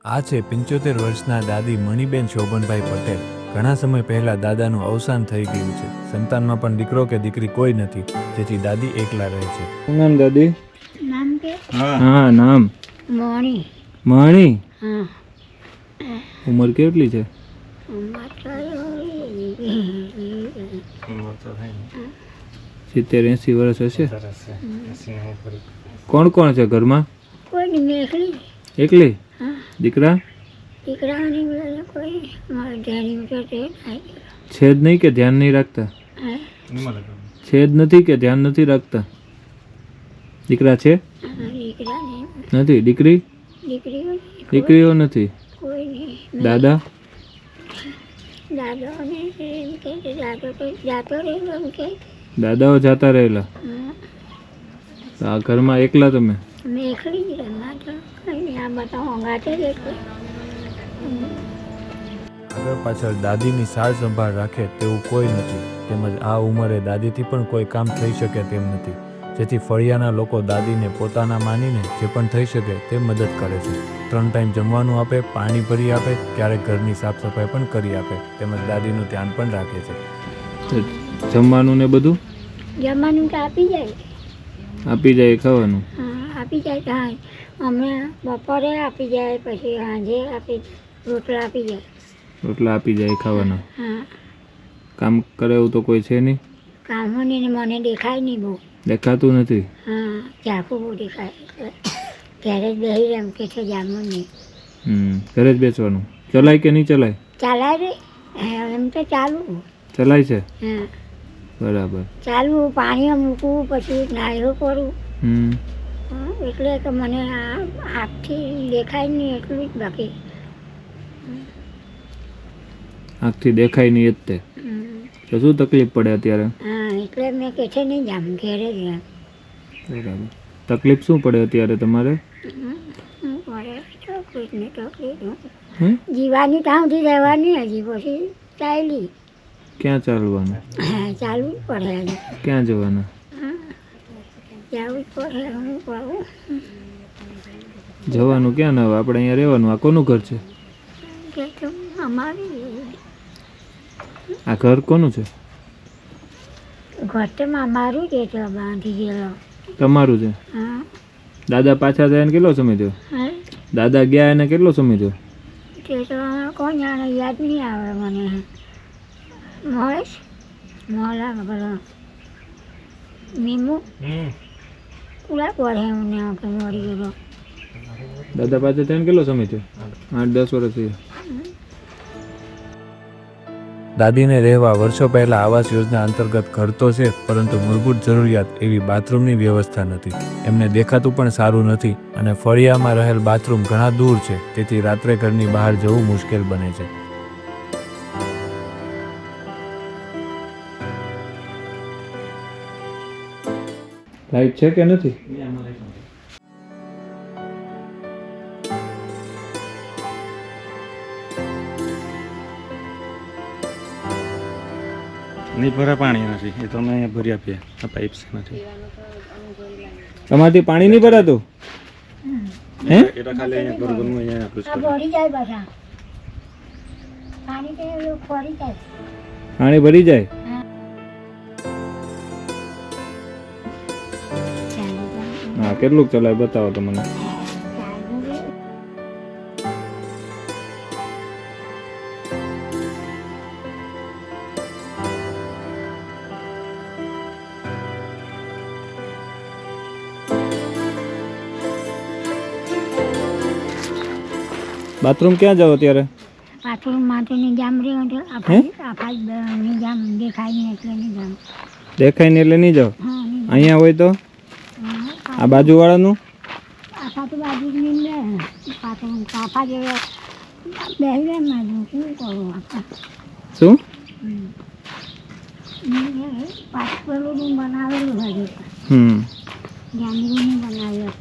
આ છે 75 વર્ષના દાદી મણિબેન શોભનભાઈ પટેલ. ઘણા સમય પહેલા દાદાનું અવસાન થઈ ગયું છે. સંતાનમાં પણ દીકરો કે દીકરી કોઈ નથી, જેથી દાદી એકલા રહે છે. શું નામ દાદી? નામ કે હા નામ મોણી. મણી. હા, ઉંમર કેટલી છે? ઉંમર તો 70-80 વર્ષ હશે. કોણ કોણ છે ઘરમાં? કોઈ મેખલી. એકલી? હા, દીકરા દીકરાઓની બધા કોઈ મારા ધ્યાન તો તે નહીં. છે જ નહીં કે ધ્યાન નહીં રાખતા? હા, છે જ નથી કે ધ્યાન નથી રાખતા? દીકરા છે? દીકરા નહીં, નથી. દીકરી? દીકરીઓ નહીં, દીકરીઓ નથી. કોઈ નહીં. દાદા? દાદાઓને એમ કે છે, દાદો તો જાતો રહેલો એમ કે. દાદાઓ જાતા રહેલા. હા, તો આ ઘરમાં એકલા તમે? મેખલી જ રમવા તો કંઈ નહીં. આ બધા હોંગાતે જ એટલે. આગળ પાછળ દાદીની સાર સંભાળ રાખે તેવું કોઈ નથી, તેમજ આ ઉંમરે દાદીથી પણ કોઈ કામ થઈ શકે તેમ નથી, જેથી ફળિયાના લોકો દાદીને પોતાના માનીને જે પણ થઈ શકે તે મદદ કરે છે. 3 ટાઈમ જમવાનું આપે, પાણી ભરી આપે, ક્યારેક ઘરની સાફ સફાઈ પણ કરી આપે, તેમજ દાદીનું ધ્યાન પણ રાખે છે. તો જમવાનું ને બધું જમવાનું તો આપી જાય. આપી જાય ખાવાનું? હા, આપી જાય. હા, અમે બપોરે આપી જાય, પછી સાંજે આપી રોટલા આપી જાય. રોટલા આપી જાય ખાવાના? હા, કામ કરે એવું તો કોઈ છે નહીં? કામોની ને મને દેખાય નહીં બહુ. દેખાતું નથી? હા, ઝાંખું બહુ દેખાય. એટલે ઘરે જ બેસી એમ કે છે જામું નહીં. ઘરે જ બેસવાનું? ચલાય કે નહીં ચલાય? ચાલાય રે. હા, એમ તો ચાલવું. ચલાય છે? હા, બરાબર. ચાલવું, પાણીમાં મૂકવું, પછી નાયરો કરું. હા, એટલે કે મને આ આંખથી દેખાય નહીં એટલું જ બાકી. આંખથી દેખાય નહીં જ તે. તો શું તકલીફ પડે અત્યારે? હા, એટલે મેં કે છે નહીં જામ ઘેરે જ એમ. બરાબર. તકલીફ શું પડે અત્યારે તમારે? શું કરે? તકલીફની તકલીફ. હે? જીવાની તાવથી રહેવાની, હજી પછી ચાલી. ક્યાં ચાલવાનું? હા, ચાલવું જ પડે હજી. ક્યાં જવાના? જવું જ પડે. હું કહું જવાનું ક્યાં ના? હવે આપણે અહીંયા રહેવાનું. આ કોનું ઘર છે? કે તો અમારી આ ઘર કોનું છે? ઘરમાં અમારું જ છે, બાંધી ગયેલો. તમારું છે? હા. દાદા પાછા થયા કેટલો સમય થયો? હા, દાદા ગયા એને કેટલો સમય થયો? તે તો કોણ જાણે, યાદ નહીં આવે મને. મહેશ મોલા પેલો મીમુ પૂરા પડે એમને કે મરી ગયેલો. દાદા પાછા થયા કેટલો સમય થયો? 8-10 વર્ષ થયા. દાદીને રહેવા વર્ષો પહેલા આવાસ યોજના અંતર્ગત ઘર તો છે, પરંતુ મૂળભૂત જરૂરિયાત એવી બાથરૂમની વ્યવસ્થા નથી. એમને દેખાતું પણ સારું નથી, અને ફળિયામાં રહેલ બાથરૂમ ઘણા દૂર છે, તેથી રાત્રે ઘરની બહાર જવું મુશ્કેલ બને છે. લાઈટ છે કે નથી? નહીં ભરા પાણી નથી, એ તો અમે અહીંયા ભરી આપીએ. આ પાઇપ નથી. તમારથી પાણી નહીં ભરાતું? હે? એ તો ખાલી અહીંયા ઘરનું અહીંયા આટલું જ આ ભરી જાય બધા પાણી, કે ભરી જાય. પાણી ભરી જાય? હા, કેટલું ચલાય બતાવો તો મને. બાથરૂમ ક્યાં જાવ અત્યારે? બાથરૂમમાં તો નિજામ રહ્યો તો આફા નિજામ દેખાય નહીં એટલે નિજામ. દેખાય ને એટલે નહીં જાવ? હા, અહીંયા હોય તો? આ બાજુવાળાનું? આફા તો બાજુ જ નહીં લે. પાછું આફા જેવો બેસી રહે ને, શું કરું આફા. શું? પાછું પેલું બનાવેલું હજુ જાંબુનું બનાવેલું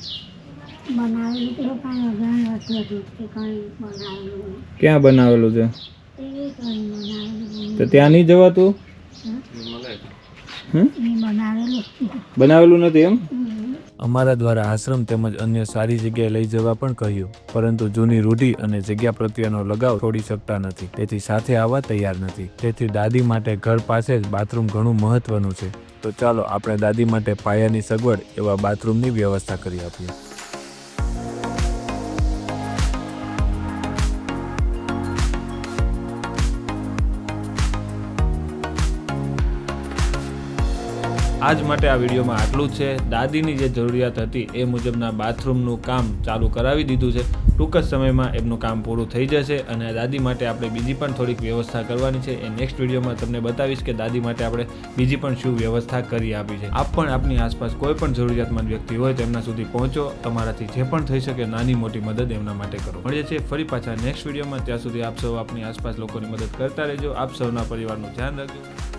તો કાંઈ ઘણી વસ્તુ હતી તે કંઈ બનાવેલું. ક્યાં બનાવેલું છે? એ કંઈ બનાવેલું. તો ત્યાં નહીં જવાતું? એ બનાવેલું. બનાવેલું નથી એમ? અમારા દ્વારા આશ્રમ તેમજ અન્ય સારી જગ્યાએ લઈ જવા પણ કહ્યું, પરંતુ જૂની રૂઢિ અને જગ્યા પ્રત્યેનો લગાવ છોડી શકતા નથી, તેથી સાથે આવવા તૈયાર નથી. તેથી દાદી માટે ઘર પાસે જ બાથરૂમ ઘણું મહત્વનું છે. તો ચાલો આપણે દાદી માટે પાયાની સગવડ એવા બાથરૂમની વ્યવસ્થા કરી આપીએ. આજ માટે આ વિડીયોમાં આટલું જ છે. દાદીની જે જરૂરિયાત હતી એ મુજબના બાથરૂમનું કામ ચાલુ કરાવી દીધું છે. ટૂંક જ સમયમાં એમનું કામ પૂરું થઈ જશે અને દાદી માટે આપણે બીજી પણ થોડીક વ્યવસ્થા કરવાની છે. એ નેક્સ્ટ વિડીયોમાં તમને બતાવીશ કે દાદી માટે આપણે બીજી પણ શું વ્યવસ્થા કરી આપી છે. આપ પણ આપની આસપાસ કોઈ પણ જરૂરિયાતમંદ વ્યક્તિ હોય તેમના સુધી પહોંચો. તમારાથી જે પણ થઈ શકે નાની મોટી મદદ એમના માટે કરો. મળીએ છીએ ફરી પાછા નેક્સ્ટ વિડીયોમાં. ત્યાં સુધી આપ સૌ આપની આસપાસ લોકોની મદદ કરતા રહેજો. આપ સૌના પરિવારનું ધ્યાન રાખજો.